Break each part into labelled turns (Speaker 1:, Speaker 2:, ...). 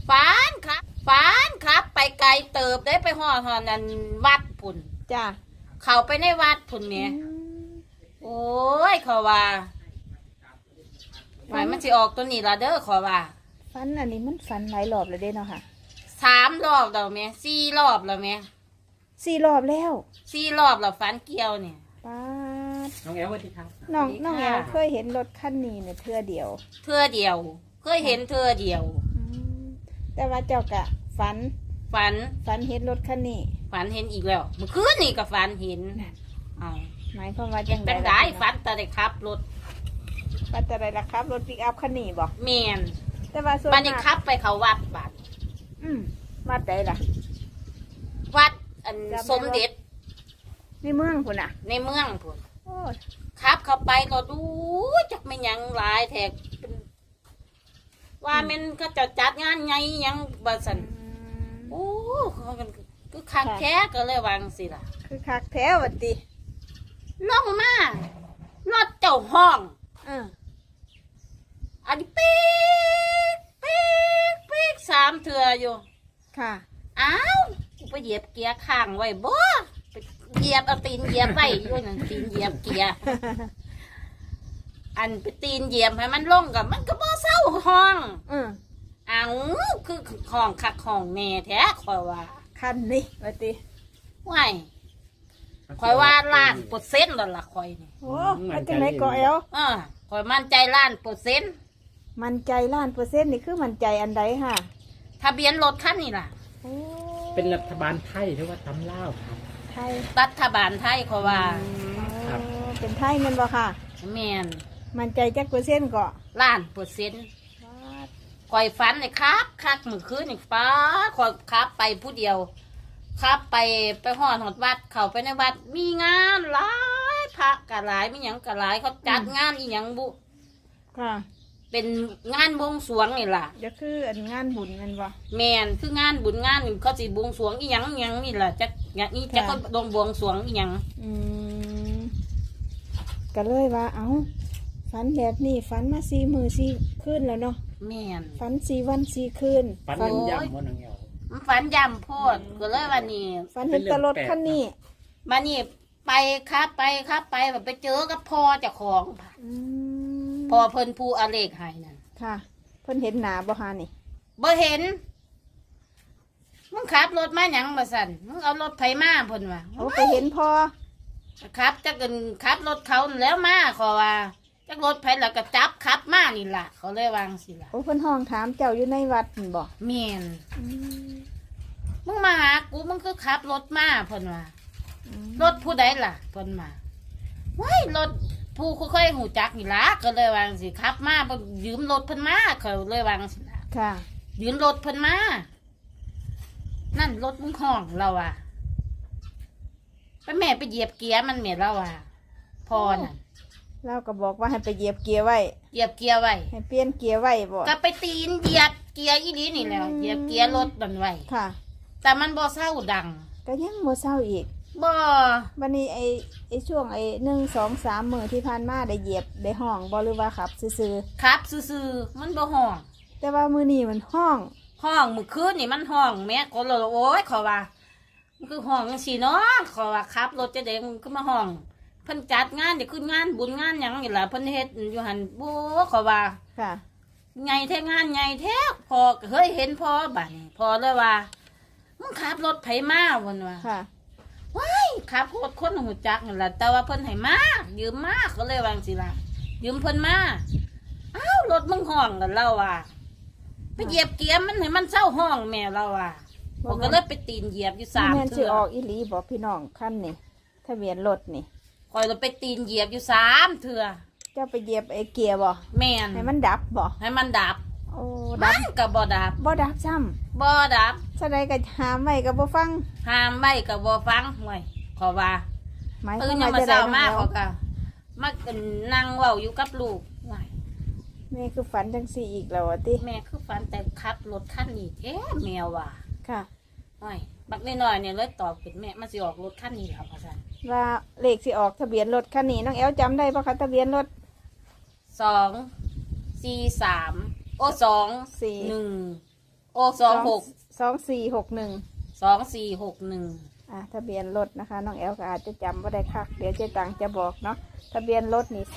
Speaker 1: ฝันครับไปไกลเติบได้ไปหอนั่นวัดพุ่น
Speaker 2: จ้า
Speaker 1: เข้าไปในวัดพุ่นเนี่ยโอ้ยเขาว่าหมายมันสิออกตัวนี้ละเด้อขอว่า
Speaker 2: ฝันอันนี้มันฝันหลายรอบแล้วเด้เนาะค่ะ
Speaker 1: 3 รอบแล้วแม่4 รอบแล้วแม่
Speaker 2: 4 รอบแล้ว
Speaker 1: 4 รอบแล้วฝันเกี่ยวเนี่ย
Speaker 2: ป้า
Speaker 3: น้องแอลสวัสดีครับ
Speaker 2: น้องแอลเคยเห็นรถคันนี้เนี่ยเทื่อเดียว
Speaker 1: เคยเห็นเธอเดียว
Speaker 2: แต่ว่าเจ้ากะฝันเห็นรถคันนี้
Speaker 1: ฝันเห็นอีกแล้วเมื่อคืนนี่ก็ฝันเห็น
Speaker 2: หมายความว่าจังได๋
Speaker 1: เป็นได้ฝันแต่ได้ขับรถ
Speaker 2: ปัตตานีล่ะครับรถปิกอัพคันนี้บ่
Speaker 1: แม่น
Speaker 2: แต่ว่าส่วน
Speaker 1: บัดนี้ขับไปเขาวัดบัด
Speaker 2: วัดใดล่ะ
Speaker 1: วัดอันสมเด็จ
Speaker 2: ในเมืองพุ่นน่ะ
Speaker 1: ในเมืองพุ่นขับเข้าไปก็ดูจักไม่ยังหลายแทกว่ามันก็จะจัดงานไงยังบ่ซั่นโอ้คือคักแท้ก็เลยวางสิล่ะ
Speaker 2: คือคักแท้วัดติ
Speaker 1: ลงมารถเจ้าห้องอันนี้ปีก3 เทื่ออยู่
Speaker 2: ค่ะ
Speaker 1: อ้าวไปเหยียบเกียร์ข้างไว้บ่ไปเหยียบเอาตีนเหยียบไว้อยู่นั่นตีนเหยียบเกียร์อันไปตีนเหยียบให้มันลงกับมันก็บ่เศร้าห้องอ้าวคือห้องคักห้องแน่แท้ข่อยว่า
Speaker 2: คันนี้ว่าติ
Speaker 1: ว้ายข่อยว่า1,000,000%แล้วล่ะข่อยนี่
Speaker 2: โอ้มันจังได๋ก็แอล
Speaker 1: ข่อยมั่นใจ1,000,000%
Speaker 2: มั่นใจ1,000,000%นี่คือมั่นใจอันใดค่ะ
Speaker 1: ทะเบียนรถคันนี้ล่ะ
Speaker 3: เป็นรัฐบาลไทยหรือว่าตำลาวครับ
Speaker 2: ไทย
Speaker 1: รัฐบาลไทยข่อยว่า
Speaker 2: เป็นไทยแม่นบ่ค่ะ
Speaker 1: แม่น
Speaker 2: มั่นใจจักเปอร์เซ็นต์ก็
Speaker 1: 1,000,000%ข่อยฝันเลยครับคักมื้อคืนนี่ฟ้าข่อยขับไปผู้เดียวครับไปฮอดวัดเข้าไปในวัดมีงานหลายพระก็หลายมีหยังก็หลายเขาจัดงานอีหยังบุ
Speaker 2: ค่ะ
Speaker 1: เป็นงานบวงสรวงนี่ล่ะ
Speaker 2: ก็คืออันงานบุญแม่นบ่
Speaker 1: แม่นคืองานบุญงานนี่เขาสิบวงสรวงอีหยังนี่ล่ะจักนี่จักก็ลงบวงสรวงอีหยัง
Speaker 2: ก็เลยว่าเอ้าฝันแบบนี้ฝันมา4 มื้อ4 คืนแล้วเนาะ
Speaker 1: แม่น
Speaker 2: ฝัน4 วัน 4 คืน
Speaker 3: ฝันย่ำบ่น้องแอล
Speaker 1: มันฝันย่ำโพดก็เลยวันนี้
Speaker 2: ฝันเห็นตลอดคันนี้
Speaker 1: มานี่ไปครับแบบไปเจอกับพ่อเจ้าของพ่อเพิ่นผู้อาเลขให้นั่น
Speaker 2: ค่ะเพิ่นเห็นหน้าบ่ฮานี่
Speaker 1: บ่เห็นมึงขับรถมาหยังบ่สั่นมึงเอารถไผมาเพิ่นว่า
Speaker 2: โอ้ไปเห็นพ่อ
Speaker 1: ครับจักเอิ้นขับรถเขาแล้วมาขอว่าจักรถไผแล้วก็จับขับมานี่ล่ะเขาเลยวางสิล่ะ
Speaker 2: โอ้เพิ่นห้องถามเจ้าอยู่ในวัดนี่บ่
Speaker 1: แม่นมึงมาหากูมึงคือขับรถมาเพิ่นว่ารถผู้ใดล่ะเพิ่นมาว้ายรถผู้ค่อยๆหูจักนี่ล่ะก็เลยวางสิขับมาเพิ่นยืมรถเพิ่นมาเขาเลยวางสิล่ะ
Speaker 2: ค่ะ
Speaker 1: ยืมรถเพิ่นมานั่นรถมึงห้องเราอ่ะไปแม่ไปเหยียบเกียร์มันแม่เราอ่ะพอน่ะ
Speaker 2: เราก็บอกว่าให้ไปเหยียบเกียร์ไว้
Speaker 1: ให้เป
Speaker 2: ลี่ยนเกียร์ไว้บ่
Speaker 1: ก็ไปตีนเหยียบเกียร์อีนี้นี่แล้วเหยียบเกียร์รถมันไว้
Speaker 2: ค่ะ
Speaker 1: แต่มันบ่เศร้าดัง
Speaker 2: ก็ยังบ่เศร้าอีก
Speaker 1: บ่
Speaker 2: วันนี้ไอ้ช่วง1 2 3 มื้อที่ผ่านมาได้เหยียบได้ห้องบ่หรือว่าขับซื่อ
Speaker 1: ๆขับซื่อๆมันบ่ห้อง
Speaker 2: แต่ว่ามื้อนี้มันห้อง
Speaker 1: มื้อคืนนี่มันห้องแม่ก็เลยโอ๊ยขอว่ามันคือห้องจังซี่เนาะขอว่าขับรถจะได้มันก็มาห้องเพิ่นจัดงานเดี๋ยวขึ้นงานบุญงานหยังนี่ล่ะเพิ่นเฮ็ดอยู่หั่นบ่ขอว่า
Speaker 2: ค่ะ
Speaker 1: ใหญ่แท้งานใหญ่แท้พอเฮ้ยเห็นพอบัดนี้พอเลยว่ามึงขับรถไผมาพุ่นว่า
Speaker 2: ค่ะ
Speaker 1: ว้ายขับรถคนหูจักนั่นล่ะแต่ว่าเพิ่นให้มายืมมาก็เลยวาจังซี่ล่ะยืมเพิ่นมาอ้าวรถมึงห้องกันเราว่าไปเหยียบเกียร์มันให้มันเศร้าห้องแม่เราว่าผมก็เลยไปตีนเหยียบอยู่3
Speaker 2: เทื่อสิออกอีหลีบ่พี่น้องคันนี่ทะเบียนรถนี่
Speaker 1: คอยเราไปตีนเหยียบอยู่3 เทื่อ
Speaker 2: เจ้าไปเหยียบไอ้เกียร์บ่
Speaker 1: แม่น
Speaker 2: ให้มันดับบ่
Speaker 1: ให้มันดับ
Speaker 2: โอ้ดับ
Speaker 1: ก็บ่ดับ
Speaker 2: ซ้ำ
Speaker 1: บ่ดับ
Speaker 2: แสดงก็ห้ามไว้ก็บ่ฟัง
Speaker 1: ห้ามไว้ก็บ่ฟังห่วยขอว่าตื่นยังมาเช้ามาเขาก็มานั่งเว้าอยู่กับลูกห่วย
Speaker 2: แม่คือฝันจังซี่อีกแล้วติ
Speaker 1: แม่คือฝันแต่ขับรถคันนี้แมวว่ะ
Speaker 2: ค่ะ
Speaker 1: ห่วยบักน้อยๆเนี่ยเลยตอบเป็นแม่มันสิออกรถคันนี้แล้วว่าซั่น
Speaker 2: ว่าเลขสิออกทะเบียนรถคันนี้น้องแอลจำได้ป่ะคะทะเบียนรถ
Speaker 1: 2 4 3 โอ้2 4 1 โอ้26
Speaker 2: 2461
Speaker 1: 2461
Speaker 2: ทะเบียนรถนะคะน้องแอลก็อาจจะจำว่าได้คักเดี๋ยวเจ๊ตังจะบอกเนาะทะเบียนรถนี่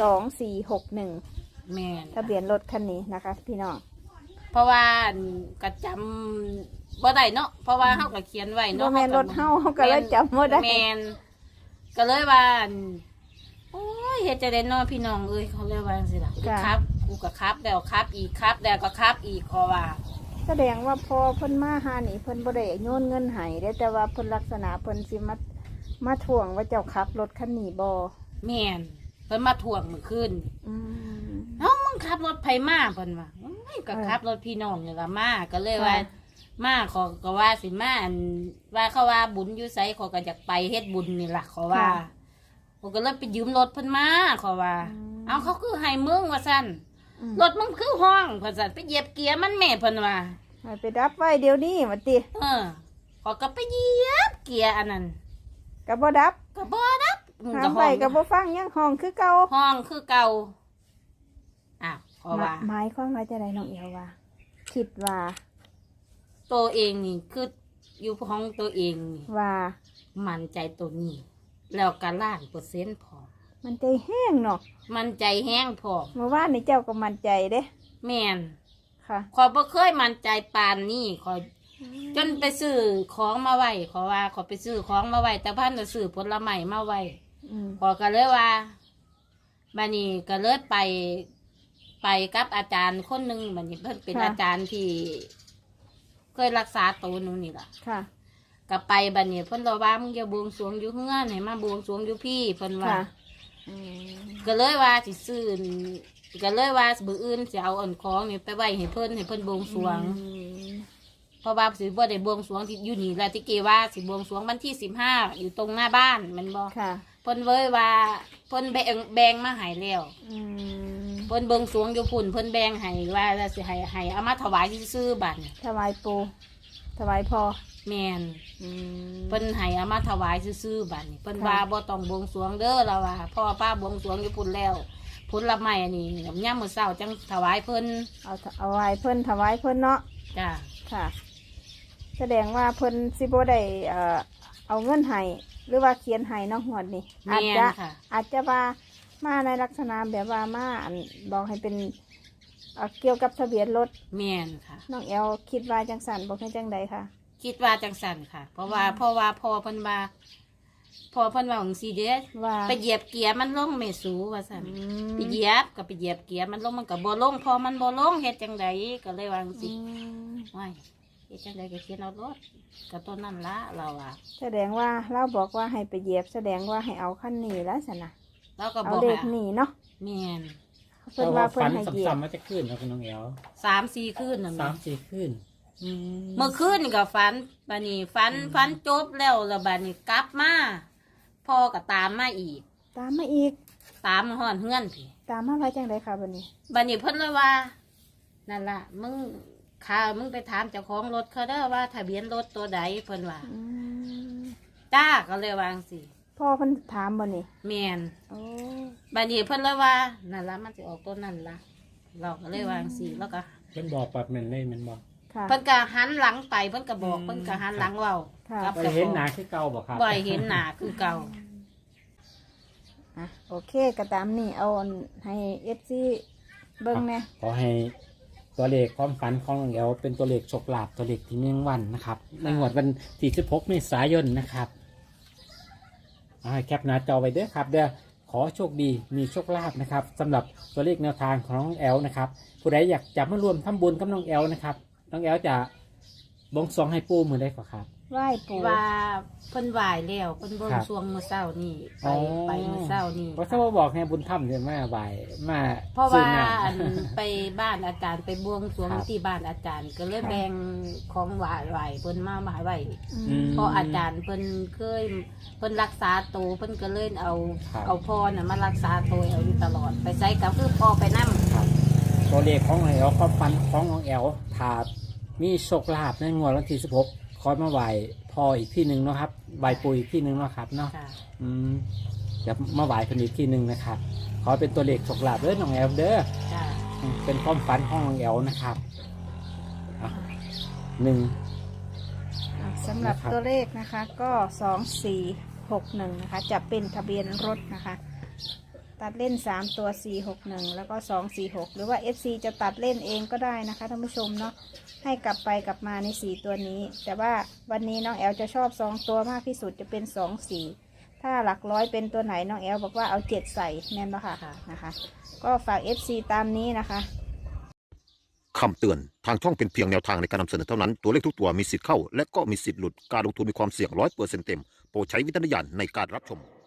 Speaker 2: 2461
Speaker 1: แม่น
Speaker 2: ทะเบียนรถคันนี้นะคะ พี่น้อง
Speaker 1: เพราะว่าก็จำบ่ได้เนาะเพราะว่าเฮาก็เขียนไว้
Speaker 2: บ่
Speaker 1: เนาะ
Speaker 2: แม่นรถเฮาก็เลยจำบ่ได้
Speaker 1: แม่นก็เลยว่าโอ้ยเฮ็ดจะได้เนาะพี่น้องเอ้ยเขาเลยว่าจังซี่ล่ะครับกูก็ครับแล้วครับอีกครับแล้วก็ครับอีกขอว่า
Speaker 2: แสดงว่าพอเพิ่นมาหานี่เพิ่นบ่ได้โยนเงินให้เด้แต่ว่าเพิ่นลักษณะเพิ่นสิมาทวงว่าเจ้าขับรถคันนี้บ่
Speaker 1: แม่นเพิ่นมาทวงมื้อคืน
Speaker 2: อืม
Speaker 1: เอ้ามึงขับรถไผมาเพิ่นว่าโอ้ยก็ขับรถพี่น้องนี่ล่ะมาก็เลยว่า มาขอก็ว่าสิมาอันว่าเขาว่าบุญอยู่ไสขอก็อยากไปเฮ็ดบุญนี่ล่ะขอว่าผมก็เลยไปยืมรถเพิ่นมาขอว่า เอาเขาคือให้มึงว่าซั่น
Speaker 2: อืม
Speaker 1: รถมึงคือห้องเพิ่นสั่นไปเหยียบเกียร์มันแม่เพิ่นว่า
Speaker 2: ให้ไปดับไว้เดี๋ยวนี้ว่าติ
Speaker 1: ขอก็ไปเหยียบเกียร์อันนั้น
Speaker 2: ก็บ่ดับ
Speaker 1: ก็บ่ดับมึง
Speaker 2: หา
Speaker 1: ก็
Speaker 2: ไปก็บ่ฟังยังห้องคือเก่า
Speaker 1: ห้องคือเก่าอ้าวขอว่า
Speaker 2: หมายความว่าจะได้น้องเอวว่า คิดว่า
Speaker 1: ตัวเองนี่คืออยู่ห้องตัวเองนี่
Speaker 2: ว่า
Speaker 1: มั่นใจตัวนี้ แล้วก็1,000,000%พอ
Speaker 2: มันใจแห้งเนาะ
Speaker 1: มั่นใจแห้งพอ
Speaker 2: เมื่อวานนี่เจ้าก็มั่นใจเด้
Speaker 1: แม่น
Speaker 2: ค่ะ
Speaker 1: ขอยบ่เคยมั่นใจปานนี้ขอยจนไปซื้อของมาไว้ขอว่าขอไปซื้อของมาไว้แต่พันจะซื้อผลไม้มาไว้
Speaker 2: อืม
Speaker 1: ขอก็เลยว่าบัดนี้ก็เลยไปกับอาจารย์คนหนึ่งบัดนี้เพิ่นเป็นอาจารย์ที่เคยรักษาตัวหนูนี่ล่ะ
Speaker 2: ค่ะ
Speaker 1: ก็ไปบัดนี้เพิ่นบอกว่ามึงอย่าบวงสรวงอยู่เฮือนให้มาบวงสรวงอยู่พี่เพิ่นว่า
Speaker 2: ค่ะอืม
Speaker 1: ก็เลยว่าสิซื้อก็เลยว่ามื้ออื่นสิเอาอันของนี่ไปไว้ให้เพิ่นบวงสรวง
Speaker 2: อืม
Speaker 1: เพราะว่าสิบ่ได้บวงสรวงที่อยู่นี่แหละที่เกว่าสิบวงสรวงวันที่15อยู่ตรงหน้าบ้านแมันบ่
Speaker 2: ค่ะ
Speaker 1: เพิ่นเว้ยว่าเพิ่นแบ่งมาให้แล้ว
Speaker 2: อืม
Speaker 1: เพิ่นบวงสรวงอยู่พุ่นเพิ่นแบ่งให้ว่าแล้วสิให้เอามาถวายซื่อๆบัดนี้
Speaker 2: ถวายปูถวายพอ
Speaker 1: แม่น
Speaker 2: อืม
Speaker 1: เพิ่นให้เอามาถวายซื่อๆบัดนี้เพิ่น
Speaker 2: ค่ะ
Speaker 1: ว่าบ่ต้องบวงสรวงเด้อแล้วว่าพ่อป้าบวงสรวงอยู่พุ่นแล้วผลไม้อันนี้ยามมื้อเช้าจังถวายเพิ่น
Speaker 2: เอาไว้เพิ่นถวายเพิ่นเนาะ
Speaker 1: จ้า
Speaker 2: ค่ะ แสดงว่าเพิ่นสิบ่ได้เอาเงินให้หรือว่าเขียนให้เนาะหวดนี่อาจ
Speaker 1: แม่น
Speaker 2: จะ
Speaker 1: ค่ะ
Speaker 2: อาจจะว่ามาในลักษณะแบบว่ามาอันบอกให้เป็นเกี่ยวกับทะเบียนรถ
Speaker 1: แม่นค่ะ
Speaker 2: น้องแอลคิดว่าจังสันบอกให้จังใดค่ะ
Speaker 1: คิดว่าจังสั่นค่ะ เพราะว่าพ่อเพิ่นว่าจังซี่เด้
Speaker 2: ว่า
Speaker 1: ไปเหยียบเกียร์มันลงไม่สูว่าซั่น
Speaker 2: อืม
Speaker 1: ไปเหยียบก็ไปเหยียบเกียร์มันลงมันก็บ่ลงพอมันบ่ลงเฮ็ดจังไดก็เลยวาจัง
Speaker 2: อื
Speaker 1: ซี่
Speaker 2: ม
Speaker 1: ว้ายเฮ็ดจังไดก็เขียนเอารถก็ต้นนั่นละเราอ่ะ
Speaker 2: แสดงว่าเราบอกว่าให้ไปเหยียบ แสดงว่าให้เอาขั้นนี้แล้วสินะ
Speaker 1: เราก็
Speaker 2: เอา
Speaker 1: บอก
Speaker 2: เด็ก
Speaker 1: ให้
Speaker 2: หนีเนาะ
Speaker 1: แม่น
Speaker 2: เพิ่นว่าเพิ่น
Speaker 3: ฝัน
Speaker 2: ให้เหยียบ
Speaker 3: ซ้ำๆมาจะขึ้นครับคุณน้องแอล
Speaker 1: 3-4คืนนั่น
Speaker 3: สา
Speaker 1: แหละ
Speaker 3: มสี่ขึ้น
Speaker 1: เมื่อคืนนี่ก็ฝันบัดนี้ฝันจบแล้วบัดนี้กลับมาพ่อก็ตามมาอีก
Speaker 2: ตามมาอีก
Speaker 1: ตามมาฮอดเฮือนพี่
Speaker 2: ตามมาไว้จังใดค่ะบัดนี้
Speaker 1: บัดนี้เพิ่นเลยว่านั่นล่ะมึงไปถามเจ้าของรถเขาเด้อว่าทะเบียนรถตัวใดเพิ่นว่า
Speaker 2: อืม
Speaker 1: จ้าก็เลยวาจังสิ
Speaker 2: พ่อเพิ่นถามบ่นี่
Speaker 1: แม่น
Speaker 2: โอ้
Speaker 1: บัดนี้เพิ่นเลยว่านั่นล่ะมันสิออกตัวนั่นล่ะเราก็เลยวาจังสิแล้วก็
Speaker 3: เพิ่นบอกแบบนั้นเลยแมันบอก
Speaker 2: ค่ะ
Speaker 1: เพิ่นก็หันหลังไปเพิ่นก็บอกเพิ่นก็หันหลังเว้า
Speaker 2: ค่ะ
Speaker 1: กับ
Speaker 3: ไป
Speaker 1: เจ้า
Speaker 3: เห็น
Speaker 1: ของ
Speaker 3: หนาคือเก่าบอกครับ
Speaker 1: บ่อยเห็นหน้าคือเก่า
Speaker 2: อ่ะโอเคก็ตามนี่เอาอันให้เอฟซีเบิ่งแหน่
Speaker 3: ขอให้ตัวเลขความฝันของน้องแอลเป็นตัวเลขโชคลาภตัวเลขที่เนื่องวันนะครับ ในงวดวันที่16เมษายนนะครับเอาให้แคปหน้าจอไว้เด้อครับเดี๋ยวขอโชคดีมีโชคลาภนะครับสำหรับตัวเลขแนวทางของน้องแอลนะครับผู้ใดอยากจะมาร่วมทำบุญกับน้องแอลนะครับน้องแอลจะบวงสรวงให้ปู่มือได้ก่อนครับ
Speaker 2: ไหว้ปู่
Speaker 1: ว่าเพิ่นไหวแล้วเพิ่นบ่
Speaker 3: ครับ
Speaker 1: งสรวงมื้อเช้านี่
Speaker 3: อ๋อ
Speaker 1: ไปมื้อเช้านี่
Speaker 3: เพราะถ้าว่าบอกให้บุญถ้ำเนี่ยมาบ่ายมา
Speaker 1: เพราะ
Speaker 3: ซื้
Speaker 1: ว่า
Speaker 3: อน้ำ
Speaker 1: อันไปบ้านอาจารย์ไปบวงสรวง
Speaker 3: ครับ
Speaker 1: ที่บ้านอาจารย์ ก็เลยแบ่งของไหวเพิ่นมาไว้
Speaker 2: อืม
Speaker 1: เพราะอาจารย์เพิ่นเคยเพิ่นรักษาตัวเพิ่นก็เลยเอา
Speaker 3: ครับ
Speaker 1: เอาพ่อน่ะมารักษาตัวเอาอยู่ตลอด ไปใช้กับคือพ่อไปนำ
Speaker 3: ตัวเลขของน้องแอลความฝันของน้องแอลถาดมีโชคลาภในงวดวันที่16คอยมาไหวพออีกที่หนึ่งเนาะครับไหวปุยอีกที่หนึ่งเนาะครับเนาะ
Speaker 1: ค่ะ
Speaker 3: จะมาไหวคนอีกที่หนึ่งนะครับขอเป็นตัวเลขโชคลาภเด้อน้องแอลเด้อ
Speaker 1: จ้า
Speaker 3: เป็นความฝันของน้องแอลนะครับอ่ะ
Speaker 2: สำหรับ
Speaker 3: นะครับ
Speaker 2: ตัวเลขนะคะก็ 2461นะคะจะเป็นทะเบียนรถนะคะตัดเล่น3ตัว461แล้วก็246หรือว่า FC จะตัดเล่นเองก็ได้นะคะท่านผู้ชมเนาะให้กลับไปกลับมาใน4ตัวนี้แต่ว่าวันนี้น้องแอลจะชอบ2ตัวมากที่สุดจะเป็น24ถ้าหลักร้อยเป็นตัวไหนน้องแอลบอกว่าเอา7ใส่แม่นปะค่ะนะคะก็ฝาก FC ตามนี้นะคะ
Speaker 4: คำเตือน ทางช่องเป็นเพียงแนวทางในการนำเสนอเท่านั้น ตัวเลขทุกตัวมีสิทธิ์เข้า และก็มีสิทธิ์หลุด การลงทุนมีความเสี่ยง100%เต็ม โปรดใช้วิจารณญาณในการรับชม